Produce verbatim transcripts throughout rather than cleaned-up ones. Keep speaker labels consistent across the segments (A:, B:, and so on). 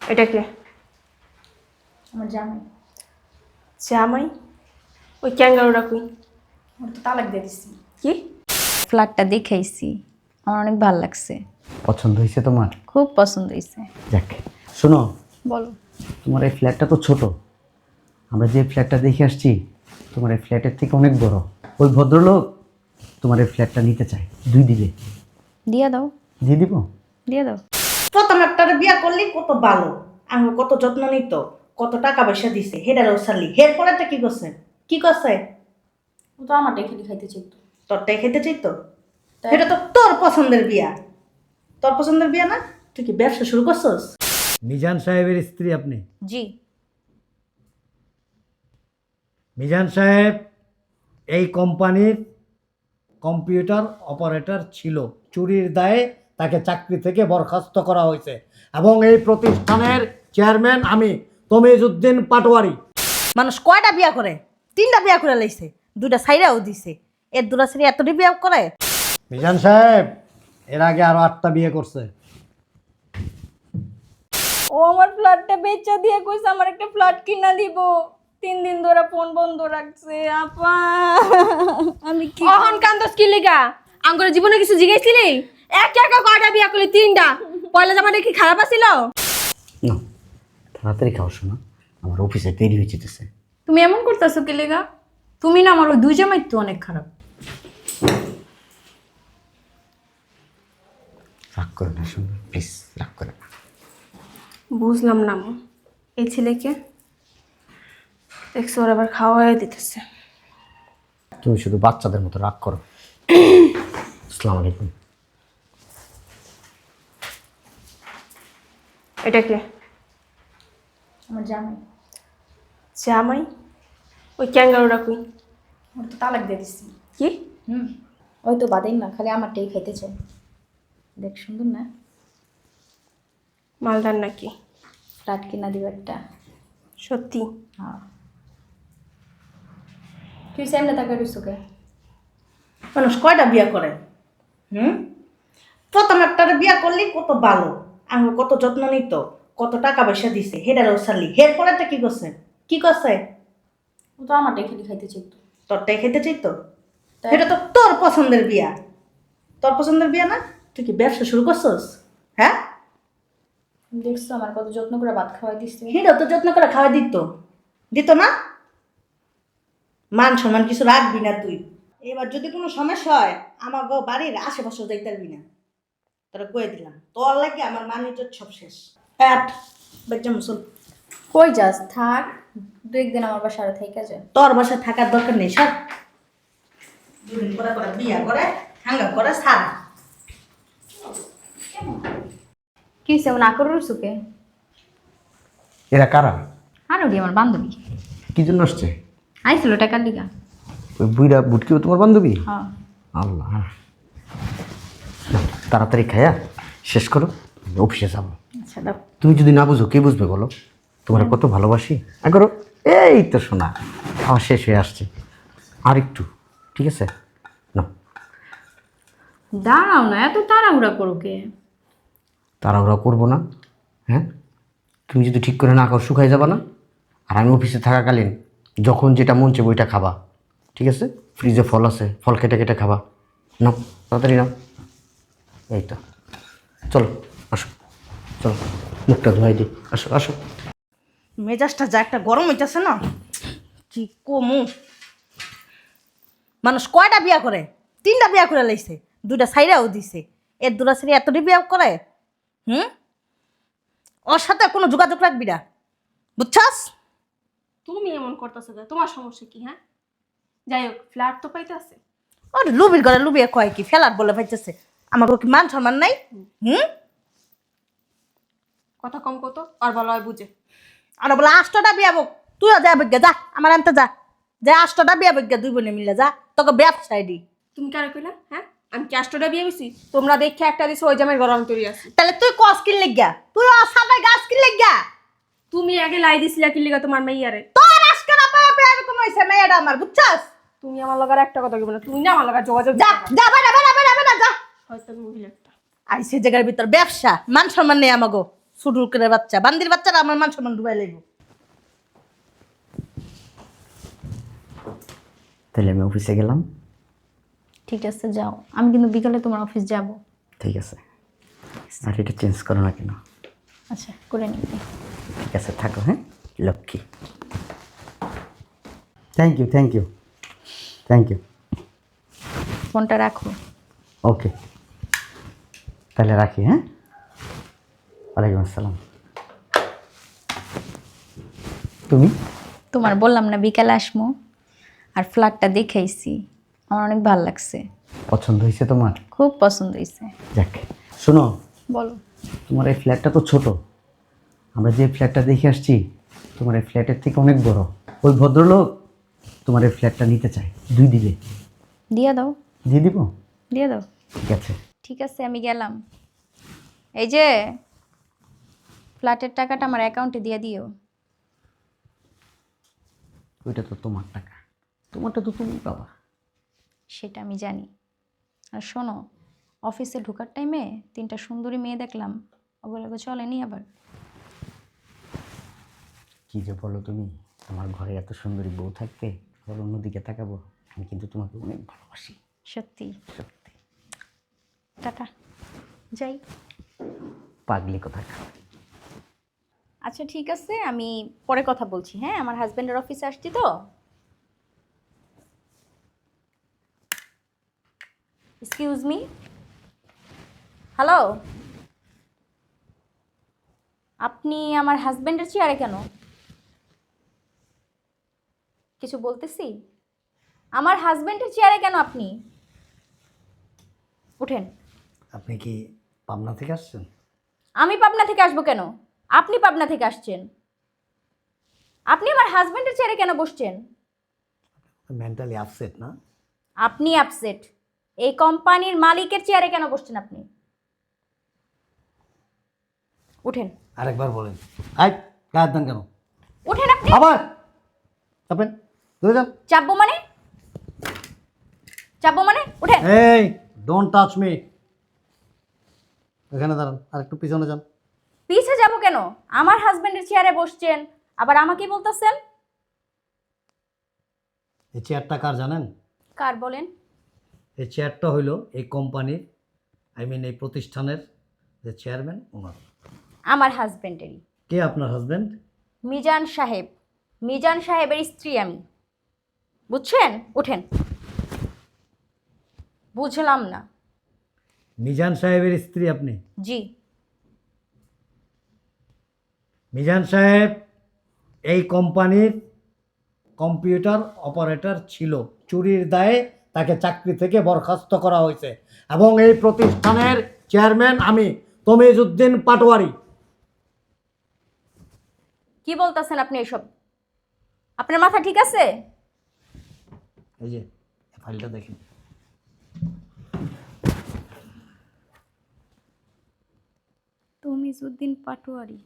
A: এটা কে?
B: আমার জামাই।
A: জামাই? ওই ক্যাঙ্গারুটা কই?
B: ওর তো তালাক দিয়ে দিচ্ছি।
A: কি?
B: ফ্ল্যাটটা দেখাইছি, আমার অনেক ভালো লাগছে,
C: পছন্দ হয়েছে তোমার?
B: খুব পছন্দ হয়েছে।
C: যাক, শোনো,
B: বলো।
C: তোমার এই ফ্ল্যাটটা তো ছোট। আমরা যে ফ্ল্যাটটা দেখে আসছি তোমার এই ফ্ল্যাটের থেকে অনেক বড়। ওই ভদ্রলোক তোমার এই ফ্ল্যাটটা নিতে চায়, দুই দিলে
B: দিয়া দাও,
C: দিয়ে দিব।
B: দিয়া দাও।
D: প্রথম একটা বিয়া করলি কত ভালো, আমি কত যত্ন নিত, কত টাকা পয়সা দিছে, হেডারও সারলি, হের পরেরটা কি করছে? কি করছে?
B: ও তো আমার দেখে খাইতে চাইতো।
D: তোরটাই খেতে চাইতো? এটা তো তোর পছন্দের বিয়া, তোর পছন্দের বিয়া না? তুই কি ব্যবসা শুরু করছস?
C: মিজান সাহেবের স্ত্রী আপনি?
B: জি।
C: মিজান সাহেব এই কোম্পানির কম্পিউটার অপারেটর ছিল। চুরির দায়ে তাকে চাকরি থেকে বরখাস্ত করা হয়েছে এবং এই প্রতিষ্ঠানের চেয়ারম্যান আমি, তমিজউদ্দিন পাটোয়ারি।
D: মানুষ কয়টা বিয়া করে? তিনটা বিয়া করে লাইছে, দুইটা সাইরাও দিছে, এর দুটা সাইরা এতটি বিয়া করে?
C: মিজান সাহেব এর আগে আরো আটটা বিয়ে করছে।
B: ও আমার ফ্ল্যাটটা বেচা দিয়ে কইছে আমার একটা ফ্ল্যাট কিনা দিব। তিন দিন ধরে ফোন বন্ধ রাখছে। আপা আমি কি
A: অহন কান্দস কি লিগা? আঙ্গুরের জীবনে কিছু জিগাইছিলি? এক এক কয়টা বিয়া করলি? তিনটা। পয়লা জামাটা কি খারাপ আছিল?
C: না, তাড়াতাড়ি খাও শোনা, আমার অফিসে দেরি হয়ে যেতেছে।
B: তুমি এমন করতেছো কি লেগা? তুমি না আমার ওই দুই জামাই তো অনেক খারাপ।
C: রাগ করে না শোনা, প্লিজ রাগ করে না।
A: বুঝলাম না মা, এই ছেলেকে দেখছো ওর আবার খাওয়াই দিতেছে।
C: তুমি শুধু বাচ্চাদের মতো রাগ করো। আসসালামু আলাইকুম।
A: এটা কে?
B: আমার জামাই।
A: জামাই? ওই ক্যাঙ্গারুটা কই?
B: ওর তো তালাক দিয়ে দিচ্ছি।
A: কি?
B: হুম, ওই তো বাদেই না, খালি আমারটাই খাইতে চাই। দেখ সুন্দর না?
A: মালদার নাকি?
B: ফ্ল্যাট কিনা দিব একটা।
A: সত্যি?
B: হ্যাঁ। তুই সামনে তাকে রইসুকে।
D: মানুষ কয়টা বিয়া করে? হুম প্রথম একটা বিয়া করলি কত ভালো, আমি কত যত্ন নিত, কত টাকা পয়সা দিছে, হেডারও সারলি, হের পরেরটা কি করছে? কি করছে?
B: ও তো আমারটাই খালি খাইতে চাইতো।
D: তোরটাই খেতে চাইতো?
B: তাই।
D: এটা তো তোর পছন্দের বিয়া, তোর পছন্দের বিয়া না? তুই কি ব্যবসা শুরু করছস? হ্যাঁ,
B: দেখছো আমার কত যত্ন করে ভাত খাওয়াই দিচ্ছে।
D: হিরো তো যত্ন করে খাওয়া দিত, দিত না? মান সম্মান কিছু রাখবি না তুই। এবার যদি কোনো সমস্যা হয় আমার গো বাড়ির আশেপাশে যাইতে পারবি না, তোরা কয়ে দিলাম। তোর লাগে আমার মান ইজ্জত সব শেষ। হ্যাট বেজ্জা মুসল।
B: কই যাস? থাক, দু একদিন আমার বাসায় থেকে যা।
D: তোর বাসায় থাকার দরকার নেই, সব দুদিন পরে পরে বিয়া করে হাঙ্গা করে সারা।
B: কি সে না করে রইসুকে?
C: এরা কারা?
B: আর ওটি আমার বান্ধবী
C: কি জন্য আসছে?
B: আইছিল টাকার লিগা।
C: ওই বুইরা বুটকিও তোমার বান্ধবী?
B: হ্যাঁ।
C: আল্লাহ, তাড়াতাড়ি খায়া শেষ করো, অফিসে যাবো।
B: আচ্ছা দাও।
C: তুমি যদি না বুঝো কে বুঝবে বলো? তোমার কত ভালোবাসি। আর করো, এই তো শোনা আমার শেষ হয়ে আসছে, আর একটু, ঠিক আছে না?
B: দাঁড়াও না, এত তাড়াহুড়া করো কে?
C: তাড়াহুড়া করবো না। হ্যাঁ, তুমি যদি ঠিক করে না খাও শুকাই যাবা না। আর আমি অফিসে থাকাকালীন যখন যেটা মন চাই ওইটা খাবা, ঠিক আছে? ফ্রিজে ফল আছে, ফল কেটে কেটে খাবা। নাও তাড়াতাড়ি নাও। এই তো, চলো আসো, চলো মুখটা ধোয়াই দিই, আসো আসো।
D: মেজাজটা যা একটা গরম হইতেছে না, কি কমু। মানুষ কয়টা বিয়া করে? তিনটা বিয়া করে লাইছে, দুইটা সাইরাও দিছে, এর দুটা সাইরা এতটি বিয়া করে? হুম ওর সাথে কোনো যোগাযোগ রাখবি না, বুঝছস?
A: তুমি এমন করতেছো কেন? তোমার সমস্যা কি? হ্যাঁ, যাই হোক, ফ্ল্যাট তো পাইতে আছে।
D: ওর লুবির ঘরে লুবিয়ে কয় কি ফেলার বলে পাইতেছে? আমার কি মান সম্মান নাই? হুম
A: কথা কম কত, আর বলা হয় বুঝে।
D: আর বলে আষ্টটা বিয়া বক, তুইও যা বজ্ঞা যা, আমার আনতে যা, যা আষ্টটা বিয়া বজ্ঞা দুই বোনে মিলে যা, তোকে ব্যবসায় দি।
A: তুমি কারে কইলা? হ্যাঁ, আমি কি আষ্টটা বিয়ে হইছি? তোমরা দেখে একটা দিছো, ওই জামের গরম তৈরি আছে।
D: তাহলে তুই কস কিন লেগা, তুই অসাবাই গাছ কিন লেগা।
A: তুমি আগে লাই দিছিলা কি লিগা তোমার মেয়ারে?
D: তোর আজকে না পাওয়া পেয়ে এরকম হয়েছে মেয়েটা আমার, বুঝছস?
A: তুমি আমার লগার একটা কথা কইবে না, তুমি না আমার লগার যোগাযোগ
D: যা যা বেড়া বেড়া বেড়া বেড়া যা।
A: হয়তো মহিলা একটা।
D: আইসে জায়গার ভিতর ব্যবসা, মান সম্মান নেই আমাগো। ফুটুকের বাচ্চা বান্দির বাচ্চারা আমার মান সম্মান ডুবাই লাগবো।
C: তাহলে আমি অফিসে গেলাম।
B: ঠিক আছে যাও, আমি কিন্তু বিকালে তোমার অফিস যাব।
C: ঠিক আছে, আর এটা চেঞ্জ করো না কেন?
B: আচ্ছা করে নিবি।
C: ঠিক আছে থাকো, হ্যাঁ Lakshmi. Thank you thank you thank you.
B: ফোনটা রাখো।
C: ওকে, তাহলে রাখি, হ্যাঁ। ওয়ালাইকুম আসসালাম। তুমি?
B: তোমার বললাম না বিকালে আসমো, আর ফ্ল্যাটটা দেখাইছি, আমার অনেক ভালো লাগছে,
C: পছন্দ হয়েছে তোমার?
B: খুব পছন্দ হয়েছে।
C: যাক, শোনো,
B: বলো।
C: তোমার এই ফ্ল্যাটটা তো ছোট। আমরা যে ফ্ল্যাটটা দেখে আসছি তোমার এই ফ্ল্যাটের থেকে অনেক বড়। ওই ভদ্রলোক তোমার এই ফ্ল্যাটটা নিতে চায়, দুই দিলে
B: দিয়ে দাও।
C: দিয়ে দিব?
B: দিয়ে দাও।
C: ঠিক আছে।
B: ঠিক আছে আমি গেলাম। এই যে ফ্ল্যাটের টাকাটা আমার অ্যাকাউন্টে দিয়ে দিও।
C: ওইটা তো তোমার টাকা, তোমারটা তো তুমি পাবা।
B: সেটা আমি জানি। আর শোনো, অফিসে ঢোকার টাইমে তিনটা সুন্দরী মেয়ে দেখলাম, ওগুলোকে চলেনি আবার।
C: কি যে বলো তুমি, আমার ঘরে এত সুন্দরী বউ থাকতে আবার অন্যদিকে তাকাবো? আমি কিন্তু তোমাকে অনেক ভালোবাসি,
B: সত্যি।
C: সত্যি।
B: টাটা, যাই।
C: পাগলি কথা।
B: আচ্ছা ঠিক আছে, আমি পরে কথা বলছি। হ্যাঁ, আমার হাজব্যান্ডের অফিসে আসছি তো। এক্সকিউজ মি, হ্যালো, আপনি আমার হাজব্যান্ডের চেয়ারে কেন? কিছু বলতেছি? আমার হাজব্যান্ডের চেয়ারে কেন আপনি? উঠেন।
C: আপনি কি পাবনা থেকে আসছেন?
B: আমি পাবনা থেকে আসবো কেন? আপনি পাবনা থেকে আসছেন। আপনি আমার হাজব্যান্ডের চেয়ারে কেন বসছেন?
C: মেন্টালি আপসেট না?
B: আপনি আপসেট। এই কোম্পানির মালিকের চেয়ারে কেন বসছেন আপনি? উঠেন।
C: আরেকবার বলেন। আই কাজ দেন কেন?
B: উঠেন আপনি।
C: আবার চাপেন, ধরে যান।
B: চাপবো মানে? চাপবো মানে? উঠেন।
C: এই ডোন্ট টাচ মি। এখানে দাঁড়ান, আর একটু পিছনে যান।
B: পিছে যাব কেন? আমার হাজবেন্ডের চেয়ারে বসছেন, আবার আমাকে বলতেছেন?
E: এই চেয়ারটা কার জানেন?
B: কার বলেন?
E: এই চেয়ারটা হইল এই কোম্পানির, আই মিন এই প্রতিষ্ঠানের যে চেয়ারম্যান ওনার।
B: আমার হাজবেন্ডেরই।
E: কে আপনার হাজবেন্ড?
B: মিজান সাহেব। মিজান সাহেবের স্ত্রী আমি। বুঝছেন? উঠেন। বুঝলাম না।
E: মিজান সাহেবের স্ত্রী আপনি?
B: জি।
E: মিজান সাহেব এই কোম্পানির কম্পিউটার অপারেটর ছিল। চুরির দায়ে তাকে চাকরি থেকে বরখাস্ত করা হয়েছে এবং এই প্রতিষ্ঠানের চেয়ারম্যান আমি তমিজউদ্দিন পাটোয়ারি।
B: কি বলতেছেন আপনি এসব? আপনার মাথা ঠিক আছে?
E: এই যে ফাইলটা দেখেন।
B: তমিজউদ্দিন পাটোয়ারি।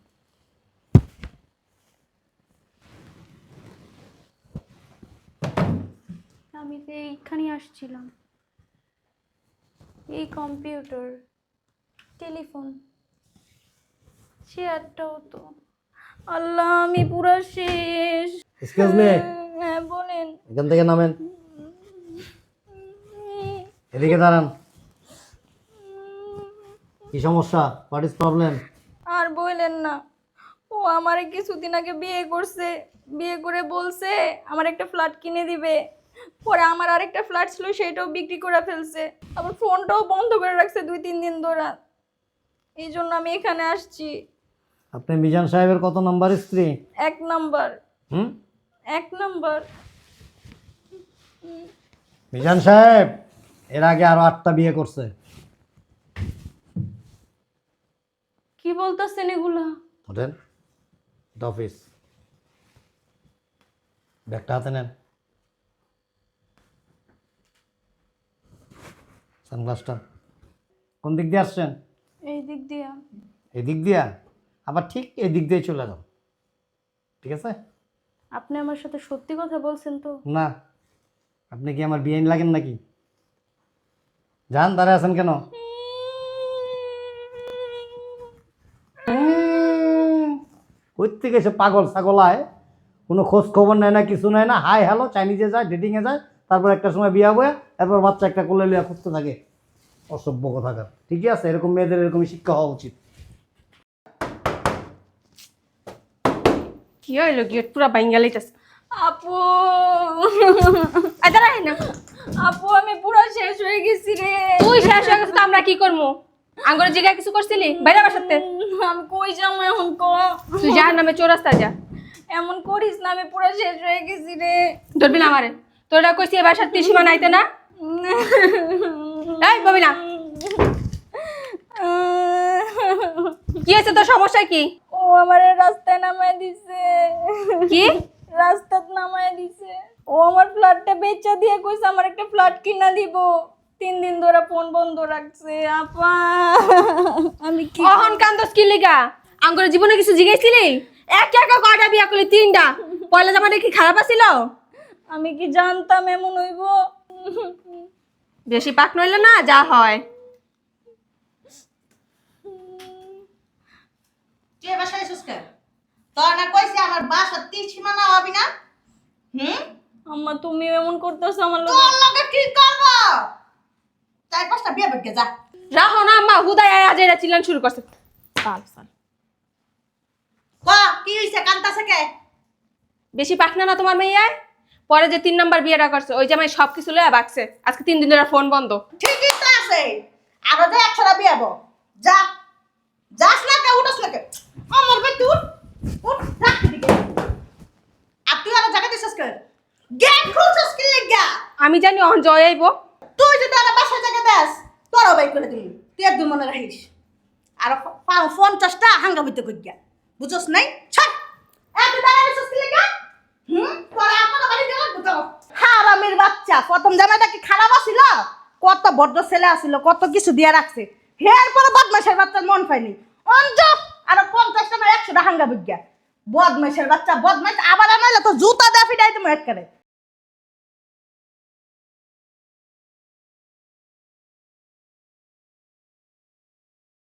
B: আমি তো এইখানে আসছিলাম। এই কম্পিউটার, টেলিফোন, চেয়ারটাও তো। আল্লাহ, আমি পুরো শেষ।
E: এক্সকিউজ মি,
B: হ্যাঁ বলেন।
E: এখান থেকে নামেন, এদিকে দাঁড়ান। কি সমস্যা? What is problem?
B: আর বললেন না, ও আমারে কিছুদিন আগে বিয়ে করছে। বিয়ে করে বলছে আমার একটা ফ্ল্যাট কিনে দিবে। পরে আমার আরেকটা ফ্ল্যাট ছিল, সেটাও বিক্রি করে ফেলছে। আবার ফোনটাও বন্ধ করে রাখছে দুই তিন দিন ধরে। এই জন্য আমি এখানে আসছি।
E: আপনি মিজান সাহেবের কত নম্বর স্ত্রী?
B: এক নাম্বার।
E: হুম?
B: এক নাম্বার।
E: মিজান সাহেব এর আগে আরো আটটা বিয়ে করছে।
B: কি বলতেছেন এগুলা?
E: ওঠেন, এটা অফিস। ব্যাগটা হাতে নেন, সানগ্লাসটা। কোন দিক দিয়ে আসছেন?
B: এই দিক দিয়া।
E: এই দিক দিয়া? আবার ঠিক এই দিক দিয়ে চলে যাও, ঠিক আছে?
B: আপনি আমার সাথে সত্যি কথা বলছেন তো?
E: না, আপনি কি আমার বিয়ে লাগেন নাকি? যান, দাঁড়ায় আছেন কেন? ওই থেকে এসে পাগল ছাগল আয়, কোনো খোঁজ খবর নেয় না, কিছু নেয় না, হাই হ্যালো চাইনিজে যায়, ডেটিংয়ে যায়, তারপর একটা সময় বিয়া বয়া, তারপর বাচ্চা একটা কোলে লিয়া খুঁজতে থাকে। অসভ্য কথাকার। ঠিকই আছে, এরকম মেয়েদের এরকমই শিক্ষা হওয়া উচিত।
A: কি হইলো গেট পুরা বাইঙ্গা লাইতাছে।
B: আপু
A: আয় দাঁড়া না,
B: আপু আমি পুরো শেষ হয়ে গেছি রে।
A: তুই শেষ হয়ে গেছিস তো আমরা কি করবো? আঙ্গুরে জিগায় কিছু করছিলি বাইরে বাসাতে?
B: আমি কই যাবো এখন ক?
A: তুই যার নামে চৌরাস্তা যা।
B: এমন করিস না, আমি পুরো শেষ হয়ে গেছি রে।
A: ধরবি না আমারে, তোরা কইছি এ বাসার ত্রিসীমা নাইতে না। এই ববি না, কি হয়েছে তোর সমস্যা কি?
B: ও আমারে রাস্তায় নামায় দিছে।
A: কি?
B: রাস্তাত নামায় দিছে। ও আমার ফ্ল্যাটটা বেচা দিয়ে কইছে আমার একটা ফ্ল্যাট কিনা দিব। তিন দিন ধরে ফোন বন্ধ রাখছে। আপা আমি কি
A: অহন কান্দস কি লিগা? আঙ্গুরে জীবনে কিছু জিগাইছিলি? এক একা কয়টা বিয়া করলি? তিনটা। পয়লা জামাটা কি খারাপ আছিল?
B: আমি কি জানতাম এমন হইব?
A: বেশি পাক নইলে না যা হয়।
D: তুই বাসায় এসেছিস কেন? তোর না কইছি আমার বাসা তিন সীমানা হবি না? হুম?
B: আম্মা তুমি এমন করতেছো আমার লগে।
D: তোর লগে কি করব? চার পাঁচটা বিয়ে বেগে যা।
A: রাহো না আম্মা, হুদায় আজ এরা চিল্লান শুরু করছে। সাল সাল।
D: ক কি হইছে কান্তাছে কে?
A: বেশি পাক না না তোমার মেয়ে? পরে যে তিন নাম্বার বিয়েটা করছে ওই জামাই সব কিছু লইয়া বাকছে। আজকে তিন দিন ধরে ফোন বন্ধ।
D: ঠিকই তো আছে। আরো যে একশোটা বিয়ে হবো। যা। যাস না কে উঠোস না কে? আমার ভাই তুই উঠ রাখ দিকে। আর তুই আরো জায়গা দিছিস কে? গেট খুলছিস কি লাগা?
A: আমি জানি অহন জয় আইব।
D: তুই যদি আর বাসায় জায়গা দেস তোরও বাই করে দিবি। তুই একদম মনে রাখিস। আর পঞ্চাশটা হাঙ্গামিতে কই গিয়া বুঝছস নাই? ছাড় এত দাঁড়ায় আছিস কি লাগা? হুম তোরা আপনার বাড়ি গেল বুঝো। হারামির বাচ্চা, প্রথম জামাইটা কি খারাপ আছিল? কত বড় ছেলে আছিল, কত কিছু দিয়া রাখছে। হের পরে বদমাইশের বাচ্চার মন পায়নি। অঞ্জ আর পঞ্চাশটা না একশোটা হাঙ্গামিত গিয়া। বদমাইশের বাচ্চা বদমাইশ আবার আনাইলে তো জুতা দা ফিটাই তুমি এক করে।